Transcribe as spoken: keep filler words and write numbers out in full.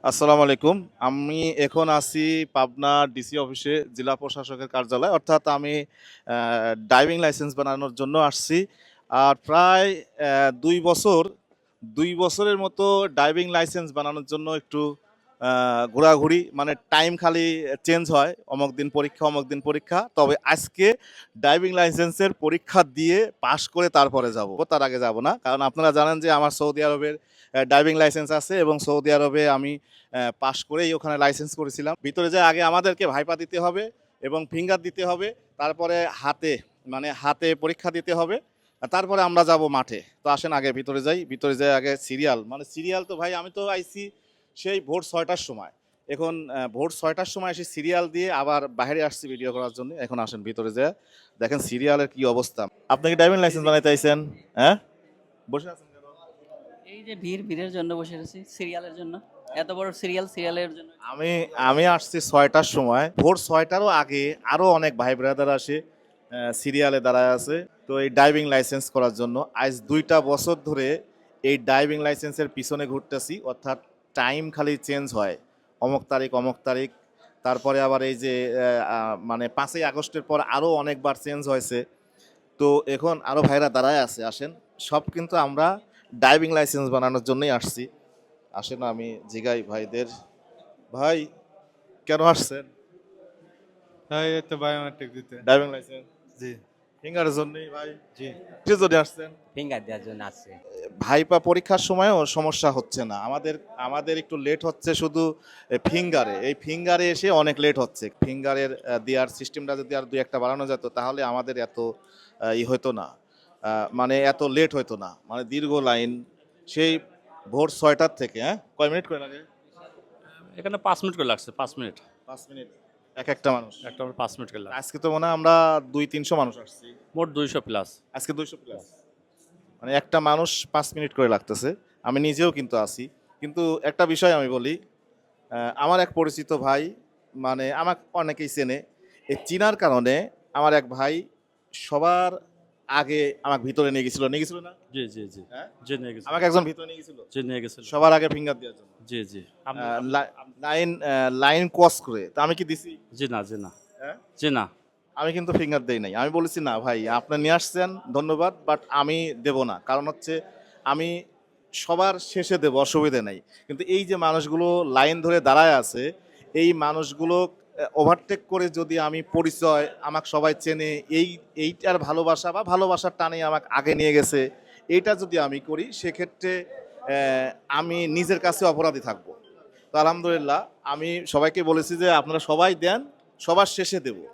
আসসালামু আলাইকুম। আমি এখন আছি পাবনা ডিসি অফিসে, জেলা প্রশাসকের কার্যালয়। অর্থাৎ আমি আ ড্রাইভিং লাইসেন্স বানানোর জন্য আসছি। আর প্রায় অ্যা দুই বছর, দুই বছরের মতো ড্রাইভিং লাইসেন্স বানানোর জন্য একটু আ ঘোরাঘুরি মানে টাইম খালি চেঞ্জ হয়। অমুক দিন পরীক্ষা, অমুক দিন পরীক্ষা। তবে আজকে ড্রাইভিং লাইসেন্সের পরীক্ষা দিয়ে পাস করে তারপরে যাব। তার আগে যাব না। কারণ আপনারা জানেন যে আমার সৌদি আরবের অ্যা ড্রাইভিং লাইসেন্স আছে এবং সৌদি আরবে আমি অ্যা পাস করেই ওখানে লাইসেন্স করেছিলাম। ভিতরে যেয়ে আগে আমাদেরকে ভাইপা দিতে হবে এবং ফিঙ্গার দিতে হবে। তারপরে হাতে মানে হাতে পরীক্ষা দিতে হবে। আ তারপরে আমরা যাব মাঠে। তো আসেন আগে ভিতরে যাই। ভিতরে যাই আগে সিরিয়াল মানে সিরিয়াল তো ভাই আমি তো আইছি সেই ভোর ছয় টার সময়। এখন অ্যা ভোর ছয় টার সময় এসে সিরিয়াল দিয়ে আবার বাহিরে আসছি ভিডিও করার জন্য। এখন আসেন ভিতরে যেয়ে দেখেন সিরিয়ালের কি অবস্থা। আপনি কি ড্রাইভিং লাইসেন্স বানাইতে আইছেন? হ্যাঁ? বসে আছেন কেন? এই যে ভিড় ভিড়ের জন্য বসে আছি সিরিয়ালের জন্য। এত বড় সিরিয়াল সিরিয়ালের জন্য। আমি আমি আসছি ছয় টার সময়। ভোর ছয় টারও আগে আরো অনেক ভাই ব্রাদার আসে অ্যা সিরিয়ালে দাঁড়ায় আছে। তো এই ড্রাইভিং লাইসেন্স করার জন্য আজ দুই টা বছর ধরে এই ড্রাইভিং লাইসেন্সের পিছনে ঘুরতেছি। অর্থাৎ টাইম খালি চেঞ্জ হয়। অমুক তারিখ, অমুক তারিখ। তারপরে আবার এই যে অ্যা আ মানে পাঁচই আগস্টের পর আরো অনেকবার চেঞ্জ হয়েছে। তো এখন আরো ভাইরা দাঁড়ায় আছে আসেন। সব কিন্তু আমরা ড্রাইভিং লাইসেন্স বানানোর জন্যই আসছি। আসেন আমি জিগাই ভাইদের, ভাই কেন আসছেন? হ্যাঁ, এই তো বায়োমেট্রিক দিতে। ড্রাইভিং লাইসেন্স জি, ফিঙ্গারের জন্যই ভাই। জি। কিসের জন্য আসছেন? ফিঙ্গার দেওয়ার জন্য আসছে। ভাইপা পরীক্ষার সময়ও সমস্যা হচ্ছে না। আমাদের আমাদের একটু লেট হচ্ছে শুধু এ ফিঙ্গারে। এই ফিঙ্গারে এসে অনেক লেট হচ্ছে। ফিঙ্গারের আ দেওয়ার সিস্টেমটা যদি আর দুই এক টা বাড়ানো যেত তাহলে আমাদের এত আ ই হইতো না। আ মানে এত লেট হইতো না। মানে দীর্ঘ লাইন সেই ভোর ছয় টার থেকে, হ্যাঁ? কয় মিনিট করে লাগে? এখানে পাঁচ মিনিট করে লাগছে পাঁচ মিনিট পাঁচ মিনিট এক একটা মানুষ। একটা আমার পাঁচ মিনিট করে লাগছে আজকে তো মনে হয় আমরা দুই তিনশো মানুষ আসছি। মোট দুইশো প্লাস। আজকে দুইশো প্লাস। মানে একটা মানুষ পাঁচ মিনিট করে লাগতেছে। আমি নিজেও কিন্তু আছি। কিন্তু একটা বিষয় আমি বলি, আ আমার এক পরিচিত ভাই মানে আমাক অনেকেই চেনে। এই চিনার কারণে আমার এক ভাই সবার আগে আমাকে ভিতরে নিয়ে গেছিল। নিয়ে গেছিল না? জি জি জি হ্যাঁ? জি নিয়ে গেছে আমাকে একজন ভিতরে নিয়ে গেছিল। জি নিয়ে গেছিল সবার আগে ফিঙ্গার দেওয়ার জন্য। জি জি আ আপনি- লা লাইন আ লাইন ক্রস করে। তা আমি কি দিছি? জি না জি না হ্যাঁ? জি না আমি কিন্তু ফিঙ্গার দেই নাই। আমি বলেছি না ভাই আপনি নিয়ে আসছেন ধন্যবাদ বাট আমি দেব না। কারণ হচ্ছে আমি সবার শেষে দেব অসুবিধা নাই। কিন্তু এই যে মানুষগুলো লাইন ধরে দাঁড়ায় আছে, এই মানুষগুলো অ্যা ওভারটেক করে যদি আমি পরিচয় আমাকে সবাই চেনে এই এইটার ভালোবাসা বা ভালোবাসার টানে আমাকে আগে নিয়ে গেছে। এইটা যদি আমি করি সেক্ষেত্রে অ্যা আমি নিজের কাছে অপরাধী থাকব। তো আলহামদুলিল্লাহ আমি সবাইকে বলেছি যে আপনারা সবাই দেন, সবার শেষে দেব।